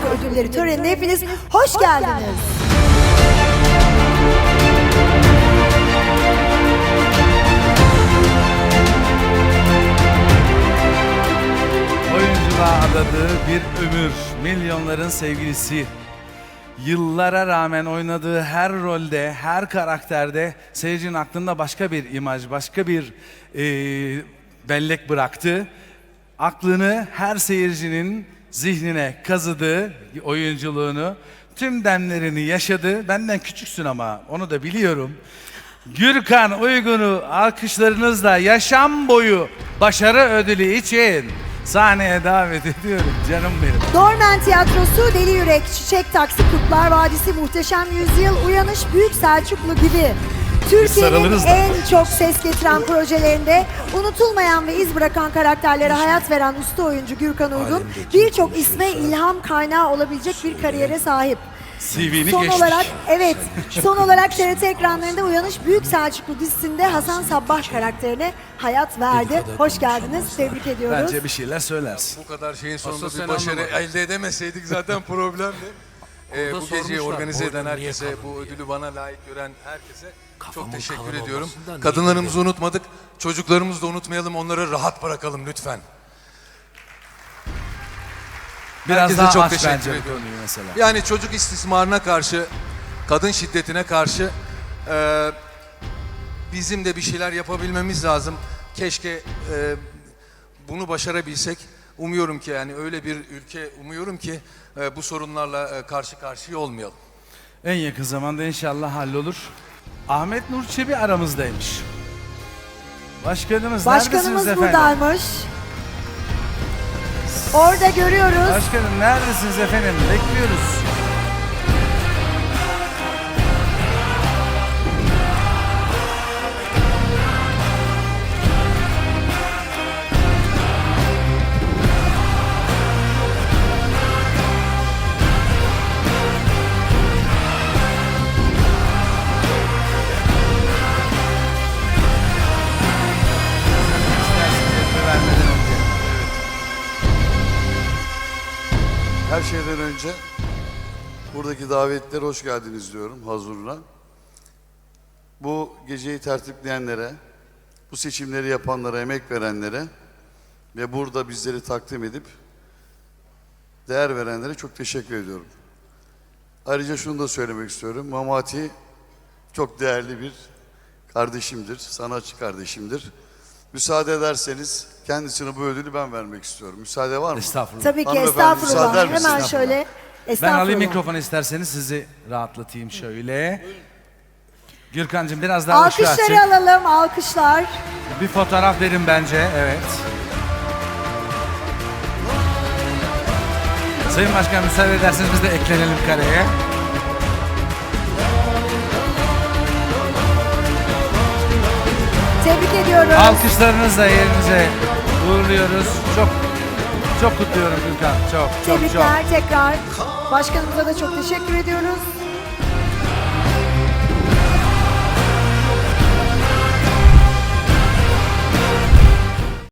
ödülleri törenine hepiniz hoş geldiniz. Oyunculuğa adadığı bir ömür, milyonların sevgilisi. Yıllara rağmen oynadığı her rolde, her karakterde seyircinin aklında başka bir imaj, başka bir bellek bıraktı. Aklını her seyircinin zihnine kazıdı oyunculuğunu. Tüm demlerini yaşadı. Benden küçüksün ama onu da biliyorum. Gürkan Uygun'u alkışlarınızla yaşam boyu başarı ödülü için sahneye davet ediyorum canım benim. Dormen Tiyatrosu, Deli Yürek, Çiçek Taksi, Kurtlar Vadisi, Muhteşem Yüzyıl, Uyanış, Büyük Selçuklu gibi Türkiye'nin sarılırız da. en çok ses getiren projelerinde unutulmayan ve iz bırakan karakterlere hayat veren usta oyuncu Gürkan Uygun birçok isme ilham kaynağı olabilecek bir kariyere sahip. CV'ni Son geçtik. olarak son olarak TRT ekranlarında Uyanış Büyük Selçuklu dizisinde Hasan Sabbah karakterine hayat verdi. Hoş geldiniz. Tebrik ediyoruz. Bence bir şeyler söylersin. Bu kadar şeyin sonunda Asıl bir sen başarı anlamadın. elde edemeseydik zaten problemdi. Bu geceyi sormuşlar, organize eden boynun niye herkese, kalın bu diye. ödülü bana layık gören herkese Kafamın çok teşekkür kalın ediyorum. olmasından niye Kadınlarımızı unutmadık, çocuklarımızı da unutmayalım, onları rahat bırakalım lütfen. Biraz Herkese daha çok aç teşekkür bence bu ediyorum. konuyu mesela. Yani çocuk istismarına karşı, kadın şiddetine karşı bizim de bir şeyler yapabilmemiz lazım. Keşke bunu başarabilsek. Umuyorum ki yani öyle bir ülke umuyorum ki bu sorunlarla karşı karşıya olmayalım. En yakın zamanda inşallah hallolur. Ahmet Nur Çebi aramızdaymış. Başkanımız neredesiniz efendim? buradaymış. Orada görüyoruz. Başkanım neredesiniz efendim? Bekliyoruz. Vermeden önce. Her şeyden önce buradaki davetlilere hoş geldiniz diyorum hazırına. Bu geceyi tertipleyenlere, bu seçimleri yapanlara, emek verenlere ve burada bizleri takdim edip değer verenlere çok teşekkür ediyorum. Ayrıca şunu da söylemek istiyorum. Mamati çok değerli bir kardeşimdir, sanatçı kardeşimdir. Müsaade ederseniz kendisine bu ödülü ben vermek istiyorum. Müsaade var mı? Estağfurullah. Tabii ki Hanımefendi, müsaade estağfurullah. eder misiniz? Hemen şöyle Ben estağfurullah. alayım mikrofonu isterseniz sizi rahatlatayım şöyle. Gürkan'cığım biraz daha ışığı Alkışları açık. alalım, alkışlar. Bir fotoğraf verin bence, evet. Sayın Başkan müsaade ederseniz biz de eklenelim kareye. Tebrik ediyoruz. Alkışlarınızla yerinize uğurluyoruz. Çok kutluyorum Gürkan. Çok. Tebrikler tekrar. Başkanımıza da çok teşekkür ediyoruz.